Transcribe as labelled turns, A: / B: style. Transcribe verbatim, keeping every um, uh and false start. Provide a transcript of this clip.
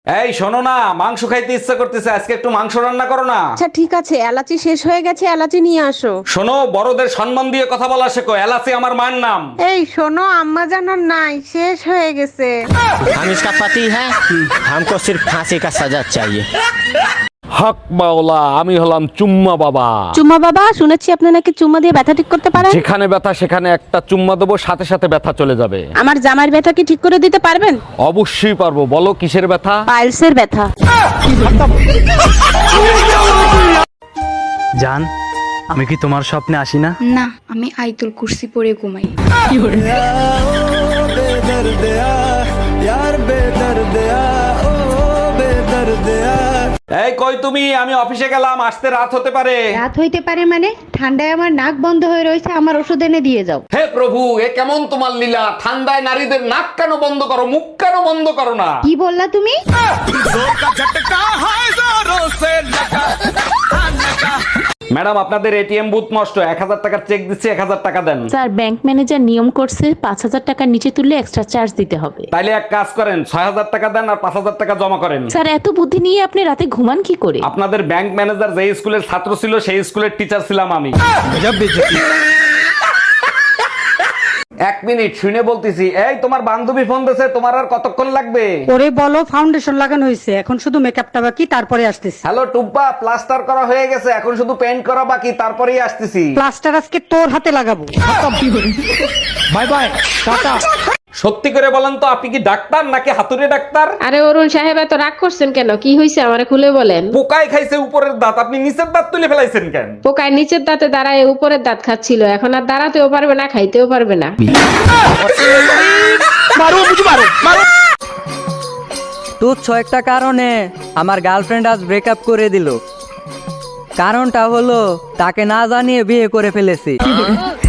A: এই শোনো না, মাংস খাইতে ইচ্ছা করতেছে, আজকে একটু মাংস রান্না করো না।
B: আচ্ছা ঠিক আছে, এলাচি শেষ হয়ে গেছে, এলাচি নিয়ে আসো।
A: শোনো, বড়দের সম্মান দিয়ে কথা বলা শেখো, এলাচি আমার মায়ের নাম।
B: এই শোনো, আম্মা জানার নাই, শেষ হয়ে গেছে।
C: हम इसका पति है, हमको सिर्फ फांसी का सजा चाहिए।
A: হক মাওলা, আমি হলাম চুম্মা বাবা।
B: চুম্মা বাবা, শুনেছি আপনি নাকি চুম্মা দিয়ে ব্যথা ঠিক করতে পারেন।
A: যেখানে ব্যথা সেখানে একটা চুম্মা দেবো, সাথে সাথে ব্যথা চলে যাবে।
B: আমার জামার ব্যথা কি ঠিক করে দিতে পারবেন?
A: অবশ্যই পারবো, বলো কিসের ব্যথা?
B: পাইলসের ব্যথা।
D: জান, আমি কি তোমার স্বপ্নে আসি না?
E: না, আমি আইতুল কুরসি পরে ঘুমাই।
A: এই কই তুমি? আমি অফিসে গেলাম, আসতে রাত হতে পারে।
F: রাত হইতে পারে মানে? ঠান্ডায় আমার নাক বন্ধ হয়ে রয়েছে, আমার ওষুধ এনে দিয়ে যাও।
A: হে প্রভু, এ কেমন তোমার লীলা? ঠান্ডায় নারীদের নাক কেন বন্ধ করো, মুখ কেন বন্ধ করো না?
F: কি বললা তুমি?
A: ম্যাডাম, আপনাদের এটিএম বুথ নষ্ট, এক হাজার টাকার চেক দিচ্ছি, এক হাজার টাকা দেন।
G: স্যার, ব্যাংক ম্যানেজার নিয়ম করছে পাঁচ হাজার টাকার নিচে তুললে এক্সট্রা চার্জ দিতে হবে।
A: তাইলে এক কাজ করেন, ছয় হাজার টাকা দেন আর পাঁচ হাজার টাকা জমা করেন।
G: স্যার, এত বুদ্ধি নিয়ে আপনি রাতে ঘুমান কি করে?
A: আপনাদের ব্যাংক ম্যানেজার যে স্কুলের ছাত্র ছিল, সেই স্কুলের টিচার ছিলাম আমি। এক মিনিট, শুনে বলতেছি। এই তোমার বান্ধবী ফোন দিয়েছে, তোমার আর কতক্ষণ লাগবে?
H: ওরে বলো, ফাউন্ডেশন লাগানো হয়েছে, এখন শুধু মেকআপটা বাকি, তারপরে আসতেছি।
A: হ্যালো টুম্পা, প্লাস্টার করা হয়ে গেছে, এখন শুধু পেইন্ট করা বাকি, তারপরেই আসতেছি।
H: প্লাস্টার আজকে তোর হাতে লাগাবো।
D: Bye bye, tata.
A: সত্যি করে বলেন তো, আপনি কি ডাক্তার নাকি হাতুড়ে ডাক্তার?
I: আরে অরুণ সাহেব, এত রাগ করছেন কেন? কি হয়েছে আমারে খুলে বলেন।
A: পোকায় খাইছে উপরের দাঁত, আপনি নিচের দাঁত তুলে ফেলাইছেন কেন?
I: পোকায় নিচের দাঁতে দাঁড়ায় উপরের দাঁত খাচ্ছিল, এখন আর দাঁড়াতেও পারবে না, খাইতেও পারবে না।
J: তুচ্ছ একটা কারণে আমার গার্লফ্রেন্ড আজ ব্রেকআপ করে দিল। কারণটা হলো তাকে না জানিয়ে বিয়ে করে ফেলেছি।